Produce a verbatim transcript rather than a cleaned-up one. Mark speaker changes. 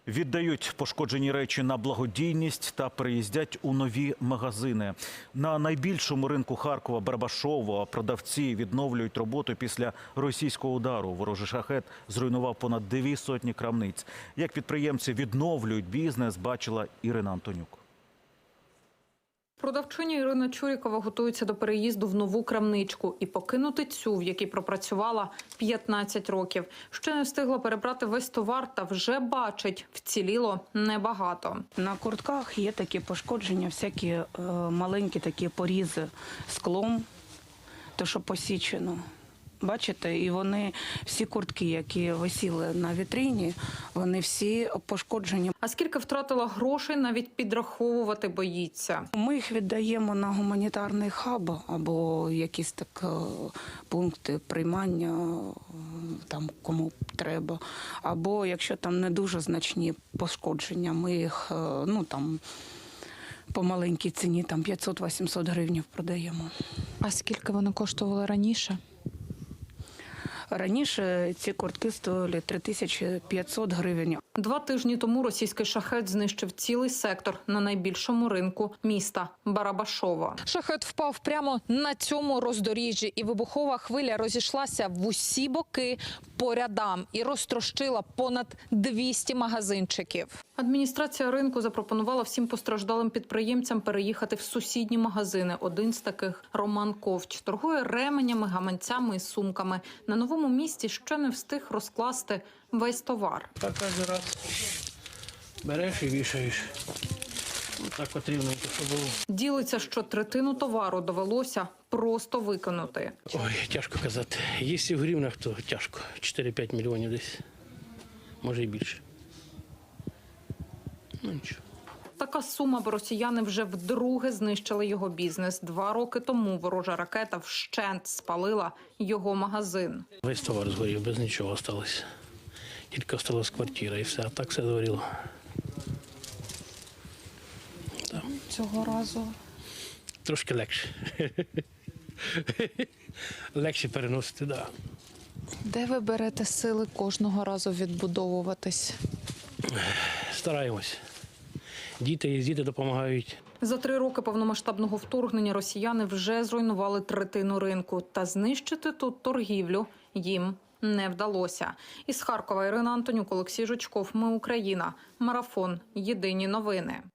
Speaker 1: Віддають пошкоджені речі на благодійність та переїздять у нові магазини. На найбільшому ринку Харкова Барабашово продавці відновлюють роботу після російського удару. Ворожий шахет зруйнував понад дві сотні крамниць. Як підприємці відновлюють бізнес, бачила Ірина Антонюк.
Speaker 2: Продавчиня Ірина Чурікова готується до переїзду в нову крамничку і покинути цю, в якій пропрацювала п'ятнадцять років. Ще не встигла перебрати весь товар та вже бачить, вціліло небагато.
Speaker 3: На куртках є такі пошкодження, всякі е, маленькі такі порізи склом, то що посічено. Бачите, і вони, всі куртки, які висіли на вітрині, вони всі пошкоджені.
Speaker 2: А скільки втратила грошей, навіть підраховувати боїться.
Speaker 3: Ми їх віддаємо на гуманітарний хаб або якісь так пункти приймання, там кому треба. Або якщо там не дуже значні пошкодження, ми їх, ну там, по маленькій ціні, там п'ятсот-вісімсот гривень продаємо.
Speaker 4: А скільки вони коштували раніше?
Speaker 3: Раніше ці куртки стоїли три тисячі п'ятсот гривень.
Speaker 2: Два тижні тому російський шахет знищив цілий сектор на найбільшому ринку міста Барабашово.
Speaker 4: Шахет впав прямо на цьому роздоріжжі, і вибухова хвиля розійшлася в усі боки по рядам і розтрощила понад двісті магазинчиків.
Speaker 2: Адміністрація ринку запропонувала всім постраждалим підприємцям переїхати в сусідні магазини. Один з таких – Роман Ковч. Торгує ременями, гаманцями і сумками. На новому місці ще не встиг розкласти весь товар.
Speaker 5: Так кожен раз береш і вішаєш. Так потрібно, щоб було.
Speaker 2: Ділиться, що третину товару довелося просто викинути.
Speaker 5: Ой, тяжко казати. Якщо в гривнах, то тяжко. чотири-п'ять мільйонів десь. Може і більше. Ну нічого.
Speaker 2: Така сума, бо росіяни вже вдруге знищили його бізнес. Два роки тому ворожа ракета вщент спалила його магазин.
Speaker 5: Весь товар згорів, без нічого залишилося. Тільки залишилась квартира і все, а так все згоріло. Да.
Speaker 4: Цього разу
Speaker 5: Трошки легше. Легше переносити, так. Да.
Speaker 4: де ви берете сили кожного разу відбудовуватись?
Speaker 5: Стараємось. Діти є, діти допомагають.
Speaker 2: За три роки повномасштабного вторгнення росіяни вже зруйнували третину ринку. Та знищити тут торгівлю їм не вдалося. Із Харкова Ірина Антонюк, Олексій Жучков. Ми Україна. Марафон. Єдині новини.